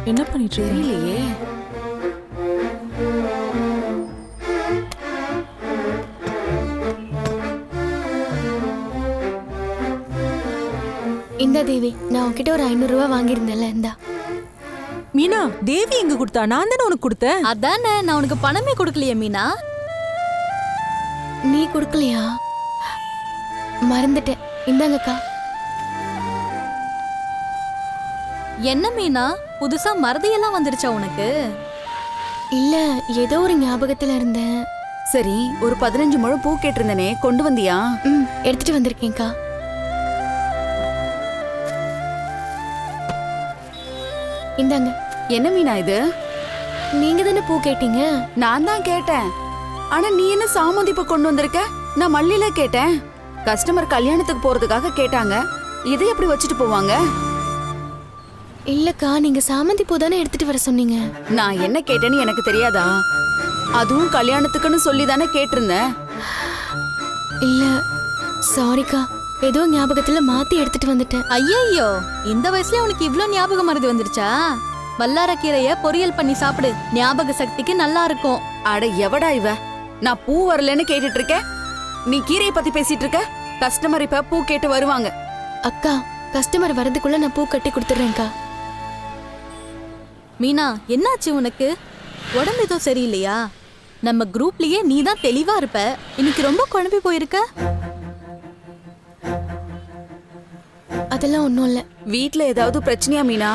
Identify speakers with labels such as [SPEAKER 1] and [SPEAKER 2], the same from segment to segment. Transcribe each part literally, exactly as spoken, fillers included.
[SPEAKER 1] என்ன பண்ணிட்டு
[SPEAKER 2] தெரியலையே.
[SPEAKER 3] இந்த தேவி, நான் உன்கிட்ட ஒரு ஐநூறு ரூபாய் வாங்கியிருந்தேன்ல, இந்தா.
[SPEAKER 1] மீனா, தேவி எங்க கொடுத்தா? நான் தானே உனக்கு கொடுத்தேன்.
[SPEAKER 2] அதானே, நான் உனக்கு பணமே கொடுக்கலையே மீனா.
[SPEAKER 3] நீ கொடுக்கலையா? மறந்துட்டேன். இந்தாங்கக்கா.
[SPEAKER 2] என்ன மீனா, புதுசா மறதியெல்லாம் வந்துருச்சா உனக்கு?
[SPEAKER 3] இல்ல, ஏதோ ஒரு ஞாபகத்துல இருந்தேன்.
[SPEAKER 4] சரி, ஒரு பதினஞ்சு முழம் பூ கேட்டிருந்தனே, கொண்டு வந்தியா?
[SPEAKER 3] ம், எடுத்துட்டு வந்திருக்கேன்க்கா. இந்தாங்க.
[SPEAKER 4] என்ன மீனா இது?
[SPEAKER 3] நீங்க தானே பூ கேட்டீங்க.
[SPEAKER 4] நான் தான் கேட்டேன். ஆனா நீ என்ன சாமந்தி பூ கொண்டு வந்திருக்க? நான் மல்லியில கேட்டேன். கஸ்டமர் கல்யாணத்துக்கு போறதுக்காக கேட்டாங்க. இதை எப்படி வச்சுட்டு போவாங்க?
[SPEAKER 3] இல்லக்கா, நீங்க சாமந்தி பூ தானே எடுத்துட்டு வர சொன்னீங்க.
[SPEAKER 4] நான் என்ன கேட்டேன்னு எனக்கு தெரியாதா? அதுவும் கல்யாணத்துக்குன்னு சொல்லி தானே கேட்டிருந்தேன்.
[SPEAKER 3] இல்ல, சாரிக்கா, ஏதோ ஞாபகத்துல மாத்தி எடுத்துட்டு வந்துட்டேன்.
[SPEAKER 2] ஐயோ, இந்த வயசுல உனக்கு இவ்ளோ ஞாபகம் மறதி வந்துருச்சா? வல்லாரக்கீரைய பொரியல் பண்ணி சாப்பிடு, ஞாபக சக்திக்கு நல்லா இருக்கும்.
[SPEAKER 4] அட எவடா இவ? நான் பூ வரலன்னு கேட்டுட்டு இருக்கேன், நீ கீரையை பத்தி பேசிட்டு இருக்க. கஸ்டமர் இப்ப பூ கேட்டு வருவாங்க.
[SPEAKER 3] அக்கா, கஸ்டமர் வரதுக்குள்ள நான் பூ கட்டி கொடுத்துறேன்க்கா.
[SPEAKER 2] மீனா, என்னாச்சு உனக்கு? உடம்பு ஏதோ சரியில்லையா? நம்ம குரூப்லயே நீ தான் தெளிவா இருப்ப, இன்னைக்கு ரொம்ப குழம்பி போயிருக்க.
[SPEAKER 3] அதெல்லாம் ஒண்ணும் இல்ல.
[SPEAKER 4] வீட்ல ஏதாவது பிரச்சனையா மீனா?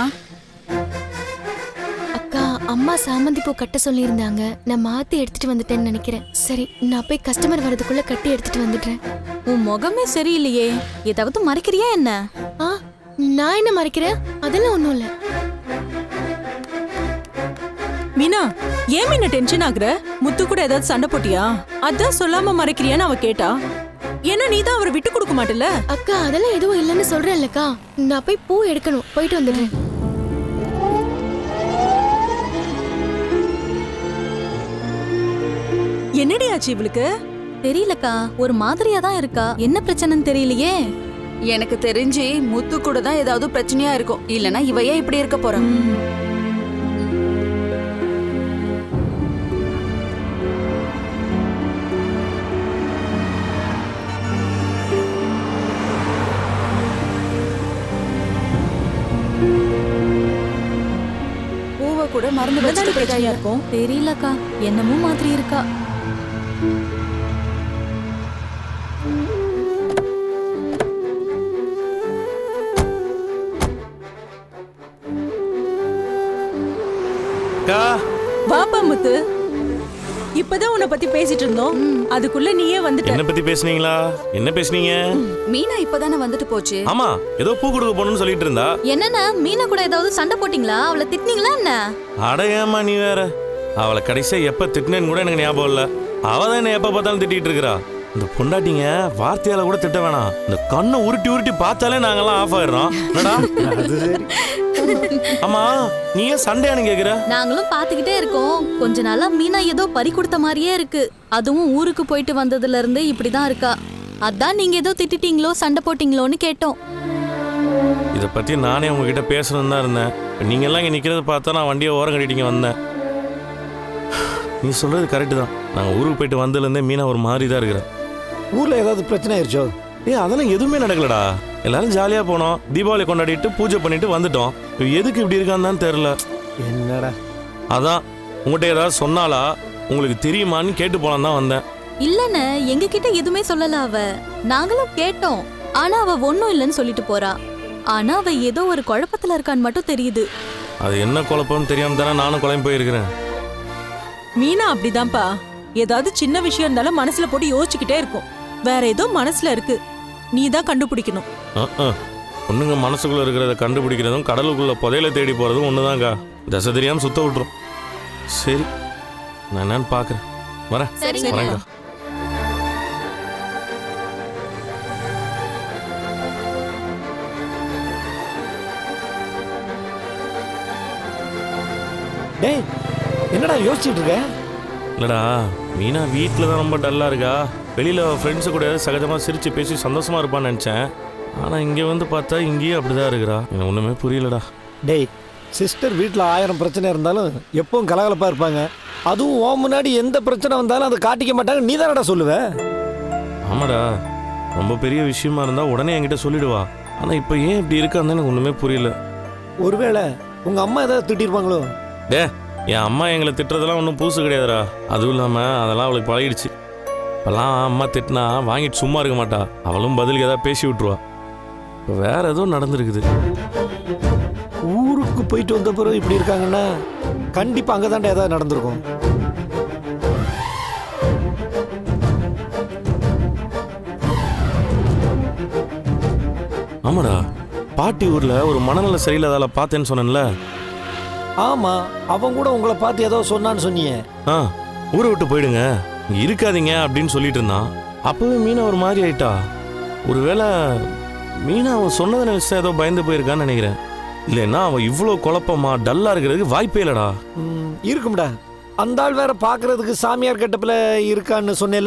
[SPEAKER 3] அக்கா, அம்மா சாமந்தி பூ கட்ட சொல்லியிருந்தாங்க. நான் மாத்தி எடுத்துட்டு வந்துட்டேன்னு நினைக்கிறேன். சரி, நான் போய் கஸ்டமர் வரதுக்குள்ள கட்டி எடுத்துட்டு வந்துடுறேன்.
[SPEAKER 2] உன் முகமே சரியில்லையே, ஏதாவது மறைக்கிறியா என்ன?
[SPEAKER 3] ஆ, நான் என்ன மறைக்கிறேன்? அதெல்லாம் ஒண்ணும் இல்ல.
[SPEAKER 1] மீனா, ஏன் மீனா டென்ஷன் ஆகுற? முத்து கூட ஏதாவது சண்டை போட்டியா? அதான் சொல்லாம மறைக்கிறியான்னு அவ கேட்டா. ஏன்னா நீ தான் அவரை விட்டு கொடுக்க மாட்டல.
[SPEAKER 3] அக்கா, அதெல்லாம் எதுவும் இல்லைன்னு சொல்றேன்லக்கா. நான் போய் பூ எடுக்கணும், போயிட்டு வந்துடுறேன்.
[SPEAKER 1] என்னடி ஆச்சு இவளுக்கு?
[SPEAKER 2] தெரியலக்கா, ஒரு மாதிரியா தான் இருக்கா. என்ன பிரச்சனைன்னு தெரியலையே.
[SPEAKER 4] எனக்கு தெரிஞ்சு முத்து கூட தான் ஏதாவது பிரச்சனையா இருக்கும். இல்லனா இவ ஏன் இப்படி இருக்க போறா? பூவை கூட மறந்து வச்சுட்டு போயிட்டா.
[SPEAKER 2] இருக்கும் தெரியலக்கா, என்னமோ மாதிரி இருக்கா.
[SPEAKER 1] வாப்பா முத்து, இப்பதான் உன்னை பத்தி பேசிட்டு இருந்தோம், அதுக்குள்ள நீயே வந்துட்ட.
[SPEAKER 5] என்ன பத்தி பேசுனீங்களா? என்ன பேசுனீங்க?
[SPEAKER 4] மீனா இப்பதானே வந்துட்டு போச்சு.
[SPEAKER 5] ஆமா, ஏதோ பூ கொடுக்க போறேன்னு சொல்லிட்டு இருந்தா.
[SPEAKER 2] என்னன்னா, மீனா கூட ஏதாவது சண்டை போட்டீங்களா? அவளை திட்டினீங்களா என்ன?
[SPEAKER 5] அட ஏமா நீ வேற. அவளை கடைசியா எப்ப திட்டினேன்னு கூட எனக்கு ஞாபகம் இல்ல. அவ தான் என்ன எப்ப பார்த்தாலும் திட்டிட்டு இருக்கா. இந்த பொண்டாட்டிங்க வார்த்தையால கூட திட்ட வேணாம், இந்த கண்ணை உருட்டி உருட்டி பார்த்தாலே நாங்கெல்லாம் ஆஃப் ஆயிடுறோம். ஆமா, நீ ஏன் சண்டையானு கேக்குற?
[SPEAKER 2] நாங்களும் பாத்துக்கிட்டே இருக்கோம். கொஞ்ச நாளா மீனா ஏதோ பறி கொடுத்த மாதிரியே இருக்கு. அதுவும் ஊருக்கு போயிட்டு வந்ததுல இருந்து இப்படிதான் இருக்கா. அதான் நீங்க ஏதோ திட்டிட்டீங்களோ சண்டை போட்டீங்களோன்னு கேட்டோம்.
[SPEAKER 5] இத பத்தி நானே உங்ககிட்ட பேசணும்னு தான் இருந்தேன். நீங்க எல்லாம் இங்க நிக்கிறத பார்த்தா நான் வண்டியை ஓரம் கட்டிட்டீங்க வந்தேன். நீ சொல்றது கரெக்டு தான். நாங்க ஊருக்கு போயிட்டு வந்ததுல இருந்தே மீனா ஒரு மாதிரி தான் இருக்கிறேன்.
[SPEAKER 6] ஊர்ல ஏதாவது பிரச்சனை ஆயிடுச்சோ?
[SPEAKER 5] ஏ, அதெல்லாம் எதுவுமே நடக்கலடா. எல்லாரும் ஜாலியா போனோம், தீபாவளி கொண்டாடிட்டு பூஜை பண்ணிட்டு வந்துட்டோம். எதுக்கு இப்படி இருக்கான்னு தான் தெரியல.
[SPEAKER 6] என்னடா?
[SPEAKER 5] அதான் உங்கள்கிட்ட ஏதாவது சொன்னாலா, உங்களுக்கு தெரியுமான்னு கேட்டு போலாம் தான் வந்தேன்.
[SPEAKER 2] இல்லன்னு எங்க கிட்ட எதுவுமே சொல்லல அவ. நாங்களும் கேட்டோம், ஆனா அவ ஒன்னும் இல்லன்னு சொல்லிட்டு போறா. ஆனா அவ ஏதோ ஒரு குழப்பத்துல இருக்கான்னு மட்டும் தெரியுது.
[SPEAKER 5] அது என்ன குழப்பம்னு தெரியாம தானே நானும் குழம்பு போயிருக்கிறேன்.
[SPEAKER 1] மீனா அப்படிதான்ப்பா, ஏதாவது சின்ன விஷயம் இருந்தாலும் மனசுல போட்டு யோசிச்சுக்கிட்டே இருக்கும். வேற ஏதோ மனசுல இருக்கு, நீ தான் கண்டுபிடிக்கணும்.
[SPEAKER 5] பொண்ணுங்க மனசுக்குள்ள இருக்கிறத கண்டுபிடிக்கிறதும் கடலுக்குள்ள புதையில தேடி போறதும் ஒண்ணுதான்க்கா. தசை தெரியாம சுத்த விட்டுரும். சரி, நான் என்னன்னு பாக்குறேன். வரேன். வரேன்க்கா.
[SPEAKER 6] டேய், என்னடா யோசிச்சுட்டு இருக்க?
[SPEAKER 5] இல்லடா, மீனா வீட்டில் தான் ரொம்ப டல்லாக இருக்கா. வெளியில் ஃப்ரெண்ட்ஸு கூட சகஜமாக சிரித்து பேசி சந்தோஷமாக இருப்பான்னு நினச்சேன். ஆனால் இங்கே வந்து பார்த்தா இங்கேயும் அப்படி தான் இருக்கிறா. எனக்கு ஒன்றுமே புரியலடா.
[SPEAKER 6] டேய், சிஸ்டர் வீட்டில் ஆயிரம் பிரச்சனை இருந்தாலும் எப்பவும் கலகலப்பாக இருப்பாங்க. அதுவும் உன் முன்னாடி எந்த பிரச்சனை வந்தாலும் அதை காட்டிக்க மாட்டாங்க. நீ தானடா சொல்லுவ.
[SPEAKER 5] ஆமாடா, ரொம்ப பெரிய விஷயமா இருந்தா உடனே என்கிட்ட சொல்லிடுவா. ஆனா இப்போ ஏன் இப்படி இருக்கான்னு எனக்கு ஒண்ணுமே புரியல.
[SPEAKER 6] ஒருவேளை உங்க அம்மா ஏதாவது திட்டிருப்பாங்களோ?
[SPEAKER 5] டே, என் அம்மா எங்களை திட்டுறதெல்லாம் ஒன்றும் புதுசு கிடையாதுடா. அதுவும் இல்லாமல் அதெல்லாம் அவளுக்கு பழகிடுச்சு. இப்போல்லாம் அம்மா திட்டினா வாங்கிட்டு சும்மா இருக்க மாட்டா. அவளும் பதிலுக்கு ஏதாவது பேசி விட்டுருவா. இப்போ வேற ஏதோ நடந்துருக்குது.
[SPEAKER 6] ஊருக்கு போயிட்டு வந்த பிறகு இப்படி இருக்காங்கன்னா கண்டிப்பாக அங்கே தாண்டா ஏதாவது நடந்திருக்கும்.
[SPEAKER 5] ஆமாடா, பாட்டி ஊர்ல ஒரு மனநல சரியில்லாதால பார்த்தேன்னு சொன்னேன்ல.
[SPEAKER 6] ஆமா, அவன் கூட உங்களை பார்த்து ஏதோ சொன்னான்னு சொன்னியே.
[SPEAKER 5] ஆ, ஊரை விட்டு போயிடுங்க, இங்க இருக்காதீங்க அப்படின்னு சொல்லிட்டு இருந்தான். அப்பவே மீனா ஒரு மாதிரி ஆயிட்டா. ஒருவேளை மீனா அவன் சொன்னதை நினைச்சா ஏதோ பயந்து போயிருக்கான்னு நினைக்கிறேன். இல்லைன்னா அவன் இவ்வளோ குழப்பமா டல்லா இருக்கிறதுக்கு வாய்ப்பே இல்லடா.
[SPEAKER 6] ம், இருக்கும்டா. அந்த ஆள் வேற பார்க்கறதுக்கு சாமியார் கட்டப்பில் இருக்கான்னு சொன்னேல.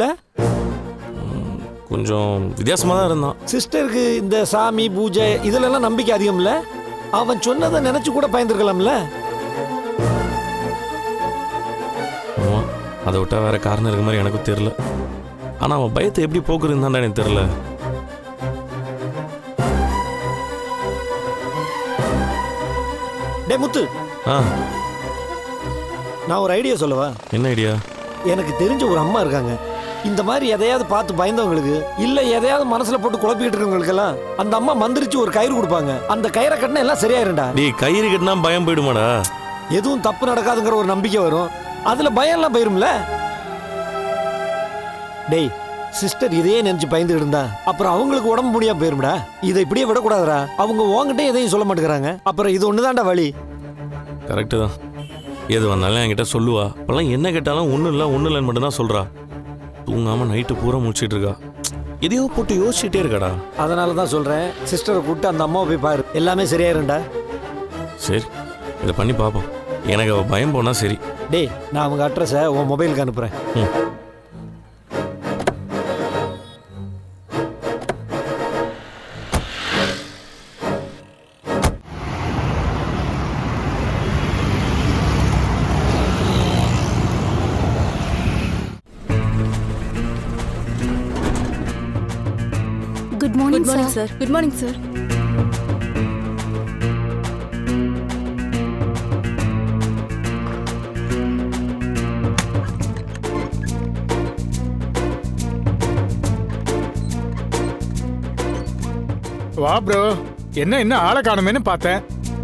[SPEAKER 5] கொஞ்சம் வித்தியாசமா தான் இருந்தான்.
[SPEAKER 6] சிஸ்டருக்கு இந்த சாமி பூஜை இதுலெல்லாம் நம்பிக்கை அதிகம்ல. அவன் சொன்னதை நினைச்சு கூட பயந்துருக்கலாம்ல.
[SPEAKER 5] ஆமா, அதை விட்டா வேற காரணம் இருக்க மாதிரி எனக்கும் தெரியல. ஆனா அவன் பயத்தை எப்படி போக்குறதுன்னு தான் எனக்கு தெரியல.
[SPEAKER 6] டே முத்து,
[SPEAKER 5] ஆ,
[SPEAKER 6] நான் ஒரு ஐடியா சொல்லவா?
[SPEAKER 5] என்ன ஐடியா?
[SPEAKER 6] எனக்கு தெரிஞ்ச ஒரு அம்மா இருக்காங்க. இந்த மாதிரி எதையாவது பார்த்து பயந்தவங்களுக்கு இல்ல எதையாவது மனசுல போட்டு குழப்பிக்கிட்டு இருக்கவங்களுக்கெல்லாம் அந்த அம்மா மந்திரிச்சு ஒரு கயிறு கொடுப்பாங்க. அந்த கயிறை கட்டினா எல்லாம் சரியாயிரும்டா.
[SPEAKER 5] டே, கயிறு கட்டினா பயம் போயிடுமாடா?
[SPEAKER 6] எதுவும் தப்பு நடக்காதுங்கிற ஒரு நம்பிக்கை வரும். அதுல பயம் எல்லாம் போயிரும்ல. டேய், சிஸ்டர் இதையே நினைச்சு பயந்துட்டு இருந்தா அப்புறம் அவங்களுக்கு உடம்பு முடியாம போயிரும்டா. இதை இப்படியே விடக்கூடாதுடா. அவங்க உங்ககிட்ட எதையும் சொல்ல மாட்டேங்கிறாங்க. அப்புறம் இது ஒண்ணுதான்டா வழி.
[SPEAKER 5] கரெக்டு தான். எது வந்தாலும் என்கிட்ட சொல்லுவா. அப்பெல்லாம் என்ன கேட்டாலும் ஒன்றும் இல்லை ஒன்றும் இல்லைன்னு மட்டும்தான் சொல்றா. தூங்காம நைட்டு பூரா முடிச்சிட்டு இருக்கா. எதையோ போட்டு யோசிச்சுட்டே இருக்காடா.
[SPEAKER 6] அதனால தான் சொல்றேன், சிஸ்டரை கூப்பிட்டு அந்த அம்மாவை போய் பாரு, எல்லாமே சரியாயிரும்டா.
[SPEAKER 5] சரி, இதை பண்ணி பார்ப்போம். எனக்கு அவ பயம் போனா சரி.
[SPEAKER 6] டேய், நான் அவங்க அட்ரஸை உன் மொபைலுக்கு அனுப்புறேன்.
[SPEAKER 5] ம்.
[SPEAKER 3] Good morning sir.
[SPEAKER 7] Good morning sir.
[SPEAKER 8] வா ப்ரோ, என்ன என்ன ஆளை காணுமேன்னு பார்த்தேன்.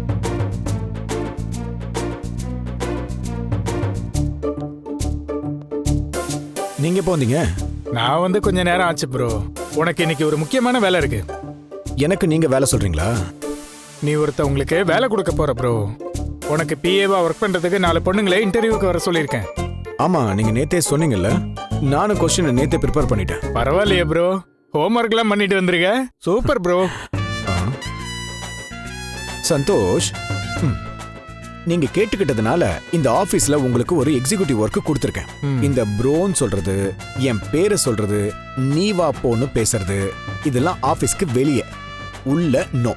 [SPEAKER 9] நீங்க எப்போ வந்தீங்க?
[SPEAKER 8] நான் வந்து கொஞ்ச நேரம் ஆச்சு ப்ரோ. உனக்கு இன்னைக்கு ஒரு முக்கியமான வேலை இருக்கு.
[SPEAKER 9] எனக்கு நீங்க வேலை சொல்றீங்களா?
[SPEAKER 8] நீ ஒருத்த உங்களுக்கு வேலை கொடுக்க போற ப்ரோ. உனக்கு பிஏவா ஒர்க் பண்றதுக்கு நாலு பொண்ணுங்களை இன்டர்வியூக்கு வர சொல்லியிருக்கேன்.
[SPEAKER 9] ஆமா, நீங்க நேத்தே சொன்னீங்கல்ல. நானும் கொஸ்டின் நேத்தே ப்ரிப்பேர் பண்ணிட்டேன்.
[SPEAKER 8] பரவாயில்லையே ப்ரோ, ஹோம்ஒர்க் எல்லாம் பண்ணிட்டு வந்திருக்க. Super bro.
[SPEAKER 9] சந்தோஷ், ம். நீங்க கேட்டுக்கிட்டதுனால இந்த ஆபீஸ்ல உங்களுக்கு ஒரு எக்ஸிகியூட்டிவ் ஒர்க் கொடுத்துருக்கேன். இந்த ப்ரோன்னு சொல்றது, என் பேரை சொல்றது, நீ வா போன்னு பேசுறது, இதெல்லாம் ஆபீஸ்க்கு வெளியே. உள்ள நோ.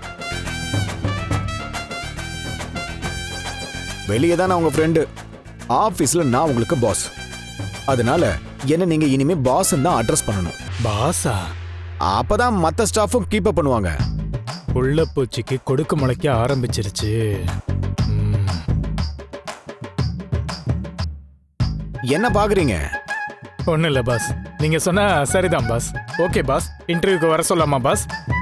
[SPEAKER 9] வெளியே தான் நான் உங்க ஃப்ரெண்டு, ஆபீஸ்ல நான் உங்களுக்கு பாஸ். அதனால என்ன நீங்க இனிமே பாஸ் தான் அட்ரஸ் பண்ணணும்.
[SPEAKER 8] பாஸா?
[SPEAKER 9] அப்பதான் மத்த ஸ்டாஃபும் கீப் அப் பண்ணுவாங்க.
[SPEAKER 8] உள்ள பூச்சிக்கு கொடுக்கு முளைக்க ஆரம்பிச்சிருச்சு.
[SPEAKER 9] என்ன பாக்குறீங்க?
[SPEAKER 8] ஒன்றும் இல்லை பாஸ், நீங்க சொன்னா சரிதான் பாஸ். ஓகே பாஸ், இன்டர்வியூக்கு வர சொல்லாமா பாஸ்?